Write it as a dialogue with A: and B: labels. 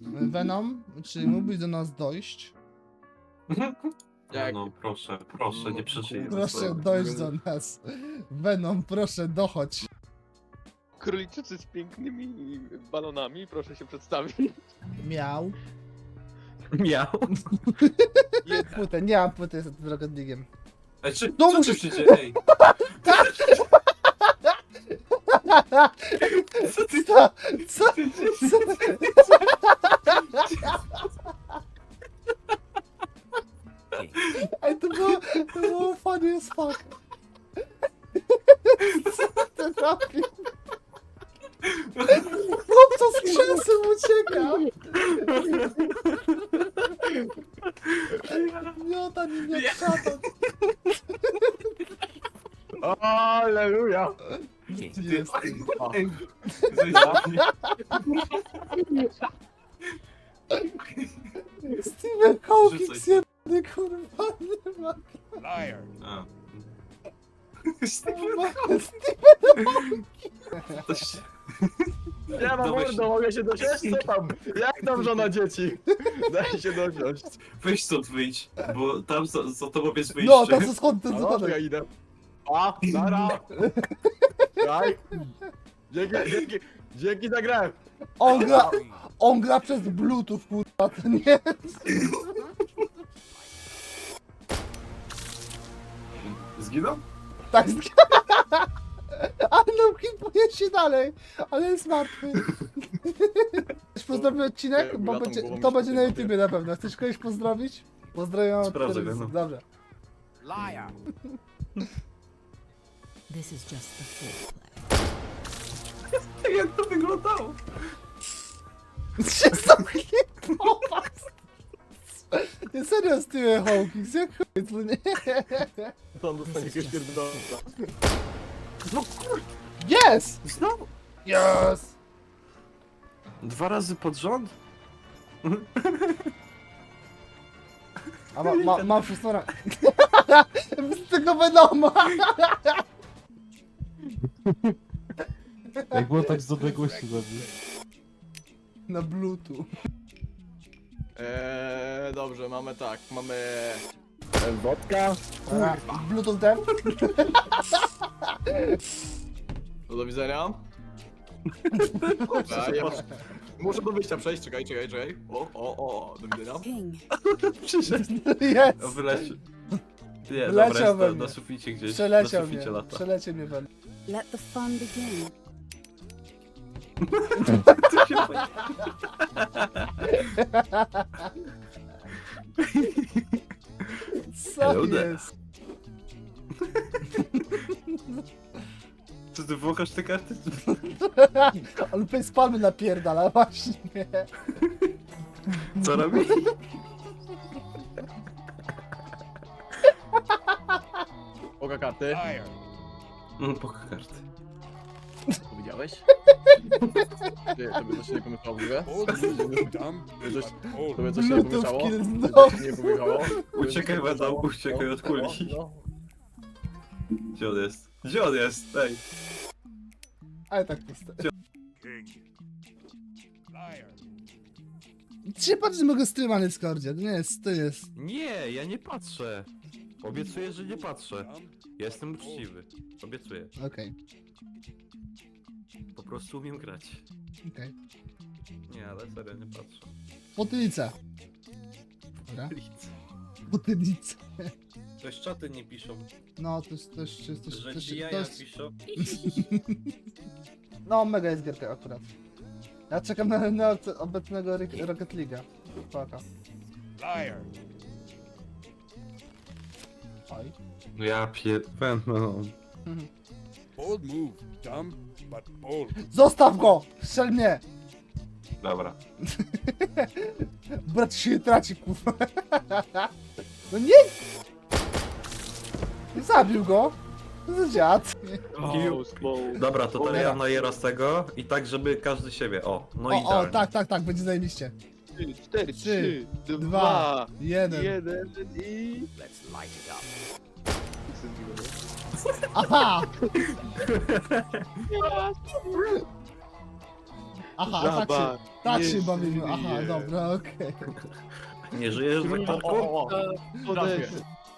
A: Venom, czy mógłbyś do nas dojść?
B: No proszę, proszę, nie przeżyję.
A: Proszę dojść do nas. Venom, proszę dochodź.
C: Króliczycy z pięknymi balonami, proszę się przedstawić.
A: Miał.
B: Miał.
A: Płytę, nie mam płyty z Rocketligiem.
B: Ej,
A: No
B: co
A: musisz-
B: tu się dzieje? Ej, co ty
A: Co? Co? Co? Ej, to było funny as fuck. Co ty robisz? Chłopca z krzesłem ucieka. Miota, nie szatan.
C: Aleluja!
A: Jest.
B: Ej, zajebanie.
A: Steven Hawking
B: Rzucaj.
A: zjebany, kurwa, nie ma.
B: A.
C: Ja mam
B: Dawaj
C: mordo, mogę się dosiąść? Co tam? Jak tam żona dzieci? Daj się dosiąść.
B: Weź stąd wyjdź, bo tam za tobą jest wyjście.
A: No, to co skąd ten
C: No to ja
A: zakładek?
C: idę. A, nara! Daj! Dzięki za grę!
A: On gra przez Bluetooth, kurwa, to nie.
B: Zginął?
A: Tak, ale no, hipuje się dalej, ale jest martwy. Chcesz pozdrowić odcinek? Bo
C: Latam
A: będzie,
C: głową
A: to
C: mi
A: będzie
C: się
A: na
C: tym
A: YouTubie na pewno. Chcesz kogoś pozdrowić? Pozdrawiam.
B: Sprawdzę
A: od
B: go, no.
A: Dobrze.
D: This is just the foreplay.
B: Jak to wyglądało?
A: Się zamknięło. Nie serio, Steven Hawking, jak chuj, to nie.
C: To on dostanie jakiegoś pierdolca.
A: Yes!
B: Znowu?
A: Yes!
B: 2 razy pod rząd?
A: A mam wszystko na... Z tego Venoma!
E: Jak było tak z odległości zabił.
A: Na Bluetooth.
C: Dobrze, mamy tak, mamy... Wodka.
A: Dobra, Bluetooth ten?
C: No do widzenia. Dobra, ja muszę do wyjścia przejść, czekaj. O, do widzenia.
D: King,
B: Przyszedł.
A: Jest!
B: O, wyleciał. Nie,
A: Wyleciał
B: dobra, jest
A: we
B: na
A: mnie.
B: suficie gdzieś.
A: Przeleciał
B: na
A: mnie,
B: suficie lata.
A: przeleciał mnie Venom.
D: let the fun begin.
B: Co się dzieje?
A: Co
B: Hello there.
A: jest?
B: Co ty włochasz te karty?
A: On facepalmy napierdala, właśnie.
B: Co robi?
C: Oka karty.
B: No, poka karty.
C: To widziałeś? Ty, tobie coś się nie pomyślało w ogóle? Tobie coś się nie
A: Bluetooth
C: pomyślało?
A: kill
C: Tobie
A: znowu.
C: coś się nie pomyślało?
B: Uciekaj, Venom, uciekaj od kuli.
C: No.
B: Gdzie on jest? Gdzie on jest? Ej.
A: Ale tak puste. Czy patrz, że mogę streama na Discordzie? To jest.
F: Nie, ja nie patrzę. Obiecuję, że nie patrzę. Ja jestem uczciwy. Obiecuję.
A: Okej,
F: Po prostu umiem grać.
A: okej.
F: Nie, ale serio nie patrzę.
A: Potylica. Dobra,
F: Nic.
A: potylica.
F: Też czaty nie piszą,
A: No, to jest,
F: że ci jaja piszą.
A: No, mega jest gierka akurat. Ja czekam na obecnego Rocket League'a. Paka. Oj.
B: No ja Venom.
G: Bold move, dumb, but bold.
A: Zostaw go! Strzel mnie!
B: Dobra.
A: Brat się nie traci, kurwa. No nie! Zabił go! To za dziad.
B: Dobra, to teraz
A: Dobra.
B: ja najeram z tego i tak, żeby każdy siebie. O, no i
A: O, tak, będzie zajebiście.
C: 4,
A: 3,
C: 3,
A: 2,
C: 2,
A: 1.
C: 1 i...
A: Aha! Aha,
C: Żaba,
A: tak
C: nie
A: się bawimy. Aha,
C: żyje.
A: dobra, okej.
F: Nie żyjesz,
C: O,
F: Zaktorku?
C: o, o.
E: Odejdź.